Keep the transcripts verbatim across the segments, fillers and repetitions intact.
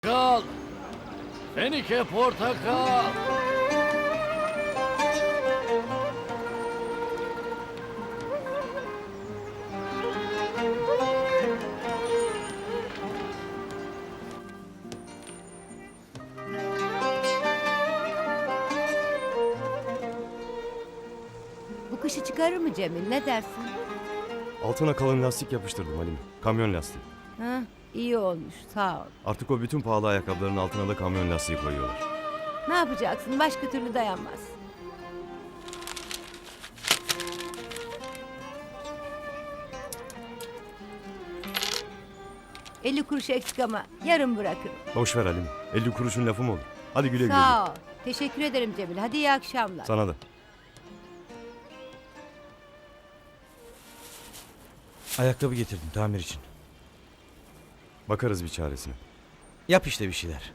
Portakal. Fenike portakal. Bu kışı çıkarır mı Cemil, ne dersin? Altına kalın lastik yapıştırdım Halim. Kamyon lastiği. Ha, iyi olmuş, sağ ol. Artık o bütün pahalı ayakkabıların altına da kamyon lastiği koyuyorlar. Ne yapacaksın, başka türlü dayanmaz. elli kuruş eksik ama yarın bırakırım. Boş ver Halim. elli kuruşun lafı mı olur? Hadi güle güle. Sağ ol. Teşekkür ederim Cemil. Hadi iyi akşamlar. Sana da. Ayakkabı getirdim tamir için. Bakarız bir çaresine. Yap işte bir şeyler.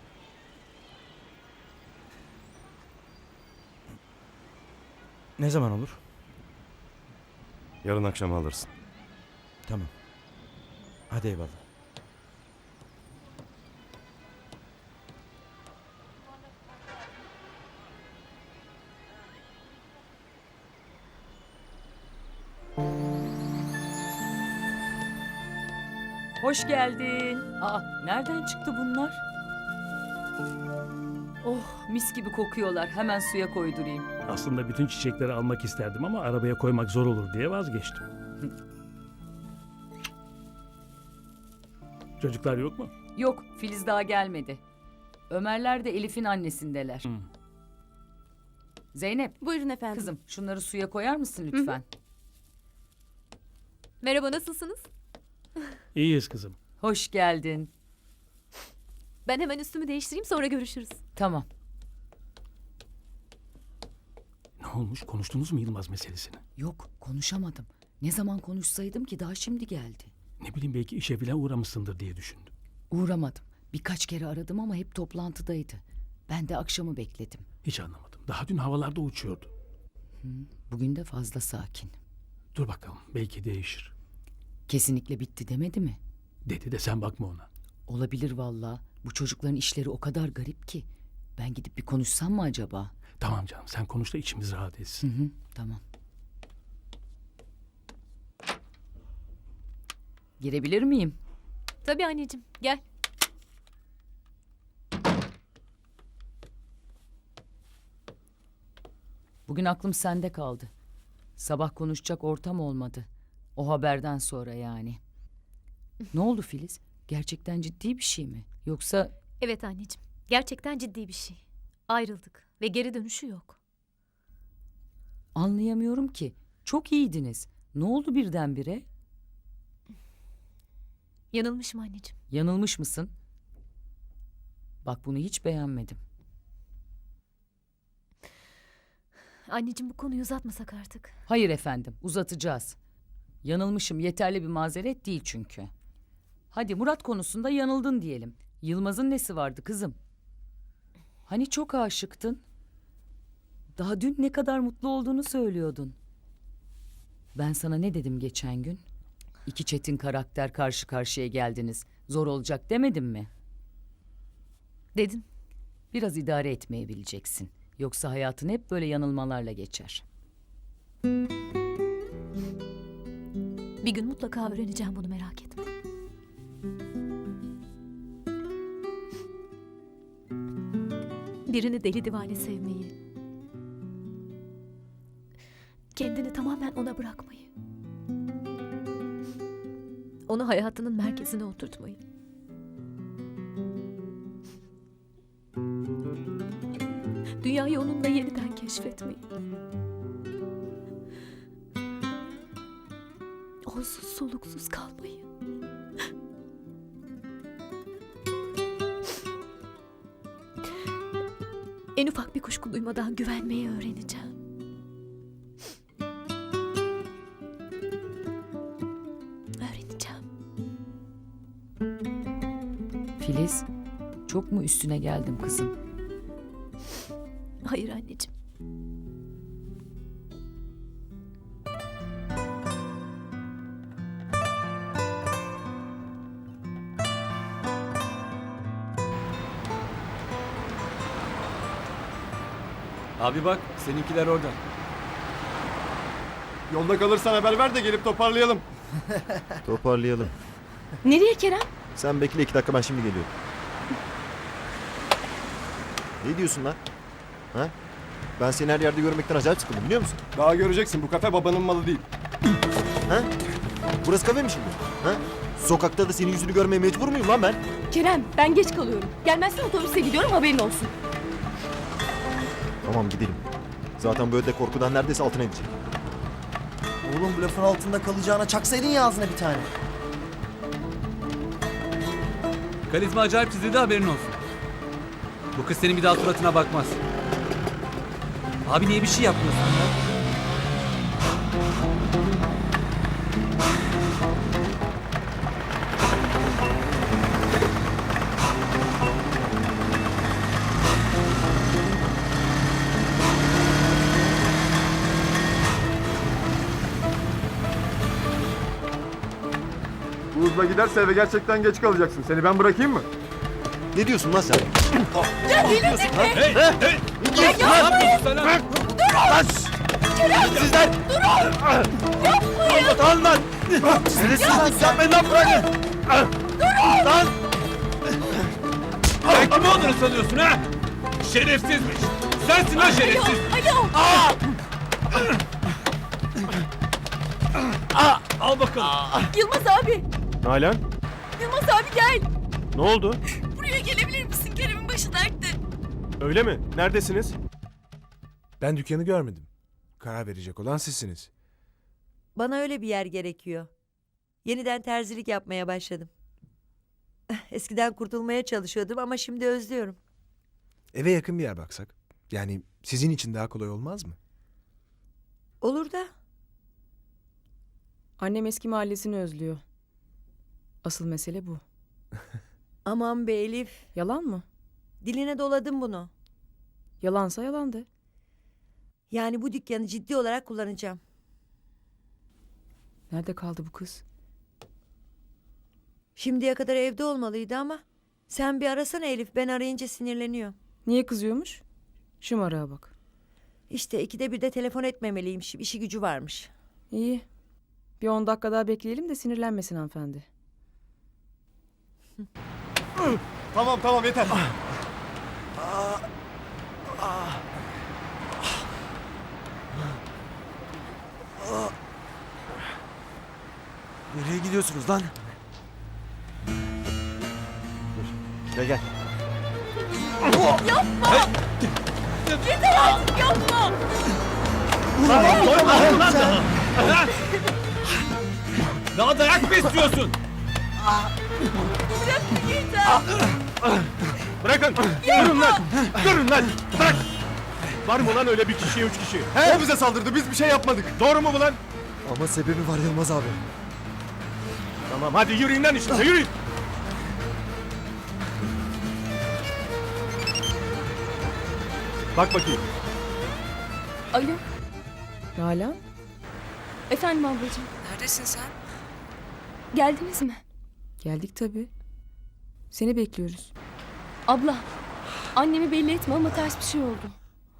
Ne zaman olur? Yarın akşam alırsın. Tamam. Hadi eyvallah. Hoş geldin. Aa, nereden çıktı bunlar? Oh, mis gibi kokuyorlar. Hemen suya koydurayım. Aslında bütün çiçekleri almak isterdim ama arabaya koymak zor olur diye vazgeçtim. Çocuklar yok mu? Yok, Filiz daha gelmedi. Ömerler de Elif'in annesindeler. Hı. Zeynep, Buyurun efendim. kızım şunları suya koyar mısın lütfen? Merhaba, nasılsınız? İyiyiz kızım. Hoş geldin. Ben hemen üstümü değiştireyim, sonra görüşürüz. Tamam. Ne olmuş? Konuştunuz mu Yılmaz meselesini? Yok, konuşamadım. Ne zaman konuşsaydım ki daha şimdi geldi. Ne bileyim belki işe bile uğramışsındır diye düşündüm. Uğramadım. Birkaç kere aradım ama hep toplantıdaydı. Ben de akşamı bekledim. Hiç anlamadım. Daha dün havalarda uçuyordu. Bugün de fazla sakin. Dur bakalım belki değişir. Kesinlikle bitti demedi mi? Dedi de sen bakma ona. Olabilir vallahi. Bu çocukların işleri o kadar garip ki. Ben gidip bir konuşsam mı acaba? Tamam canım sen konuş da içimiz rahat Hı etsin. hı, tamam. Girebilir miyim? Tabii anneciğim, gel. Bugün aklım sende kaldı. Sabah konuşacak ortam olmadı. O haberden sonra yani. Ne oldu Filiz? Gerçekten ciddi bir şey mi? Yoksa Evet anneciğim, gerçekten ciddi bir şey. Ayrıldık ve geri dönüşü yok. anlayamıyorum ki. Çok iyiydiniz. Ne oldu birdenbire? Yanılmışım anneciğim. Yanılmış mısın? Bak bunu hiç beğenmedim. Anneciğim, bu konuyu uzatmasak artık. Hayır efendim, uzatacağız. Yanılmışım yeterli bir mazeret değil çünkü. Hadi Murat konusunda yanıldın diyelim. Yılmaz'ın nesi vardı kızım? Hani çok aşıktın? Daha dün ne kadar mutlu olduğunu söylüyordun. Ben sana ne dedim geçen gün? İki çetin karakter karşı karşıya geldiniz. Zor olacak demedim mi? Dedin. Biraz idare etmeyi bileceksin. Yoksa hayatın hep böyle yanılmalarla geçer. Bir gün mutlaka öğreneceğim bunu, merak etme. Birini deli divane sevmeyi. Kendini tamamen ona bırakmayı. Onu hayatının merkezine oturtmayı. Dünyayı onunla yeniden keşfetmeyi. Onsuz soluksuz kalmayı. En ufak bir kuşku duymadan güvenmeyi öğreneceğim. Öğreneceğim. Filiz, çok mu üstüne geldim kızım? Hayır anneciğim. Abi bak seninkiler orada. Yolda kalırsan haber ver de gelip toparlayalım. Toparlayalım. Nereye Kerem? Sen bekle iki dakika, ben şimdi geliyorum. Ne diyorsun lan? Ha? Ben seni her yerde görmekten acayip sıkıldım, biliyor musun? Daha göreceksin, bu kafe babanın malı değil. Ha? Burası kafe mi şimdi? Ha? Sokakta da senin yüzünü görmeye mecbur muyum lan ben? Kerem ben geç kalıyorum. Gelmezsen otobüse gidiyorum haberin olsun. Tamam, gidelim. Zaten böyle de korkudan neredeyse altına edecek. Oğlum bu lafın altında kalacağına çaksaydın ya ağzına bir tane. Karizma acayip çizildi, haberin olsun. Bu kız senin bir daha suratına bakmaz. Abi niye bir şey yapmıyorsun ya? Bu hızla giderse eve gerçekten geç kalacaksın. Seni ben bırakayım mı? Ne diyorsun lan sen? Sizler! Durun! Yapmayın! Lan! Şerefsiz lan! Yapmayın lan, bırakın! Durun! Lan! Sen kim olduğunu sanıyorsun ha? Şerefsizmiş. Sensin lan şerefsiz. Alo! Al bakalım. Yılmaz abi! Nalan, Yılmaz abi gel! ne oldu? Buraya gelebilir misin? Kerem'in başı dertte. Öyle mi? Neredesiniz? Ben dükkanı görmedim. Karar verecek olan sizsiniz. Bana öyle bir yer gerekiyor. Yeniden terzilik yapmaya başladım. Eskiden kurtulmaya çalışıyordum ama şimdi özlüyorum. Eve yakın bir yer baksak. Yani sizin için daha kolay olmaz mı? Olur da. Annem eski mahallesini özlüyor. Asıl mesele bu. Aman be Elif. Yalan mı? Diline doladım bunu. Yalansa yalandı. Yani bu dükkanı ciddi olarak kullanacağım. Nerede kaldı bu kız? Şimdiye kadar evde olmalıydı ama sen bir arasana Elif, ben arayınca sinirleniyor. Niye kızıyormuş? Şımarığa bak. İşte ikide bir de telefon etmemeliymiş, işi gücü varmış. İyi. Bir on dakika daha bekleyelim de sinirlenmesin hanımefendi. Tamam tamam yeter. Nereye gidiyorsunuz lan? Gel gel. Daha dayak mı istiyorsun? Bırakın! Durun lan! Durun lan! Bırak! Var mı lan öyle bir kişiye üç kişi? O bize saldırdı, biz bir şey yapmadık. Doğru mu bu lan? Ama sebebi var Yılmaz abi. Tamam, hadi yürüyün lan işinize, yürüyün! Bak bakayım. Alo. Nalan? Efendim ablacığım. Neredesin sen? Geldiniz mi? Geldik tabii. Seni bekliyoruz. Abla. Annemi belli etme ama ters bir şey oldu.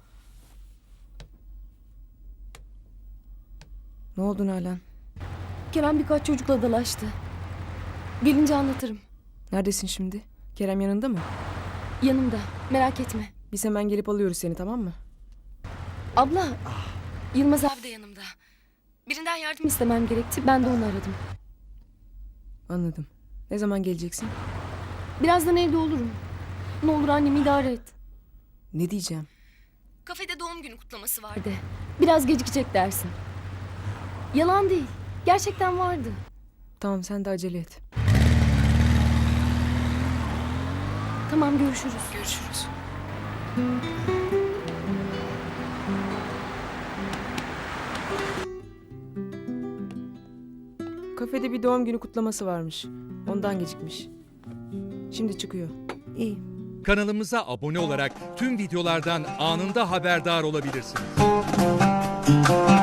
Ne oldu Nalan? Kerem birkaç çocukla dalaştı. Gelince anlatırım. Neredesin şimdi? Kerem yanında mı? Yanımda. Merak etme. Biz hemen gelip alıyoruz seni, tamam mı? Abla. Yılmaz abi de yanımda. Birinden yardım istemem gerekti. Ben de onu aradım. Anladım. Ne zaman geleceksin? Birazdan evde olurum. Ne olur annemi idare et. Ne diyeceğim? Kafede doğum günü kutlaması vardı. Biraz gecikecek dersin. Yalan değil. Gerçekten vardı. Tamam, sen de acele et. Tamam, görüşürüz. Görüşürüz. Kafede bir doğum günü kutlaması varmış. Ondan gecikmiş. Şimdi çıkıyor. İyi. Kanalımıza abone olarak tüm videolardan anında haberdar olabilirsiniz.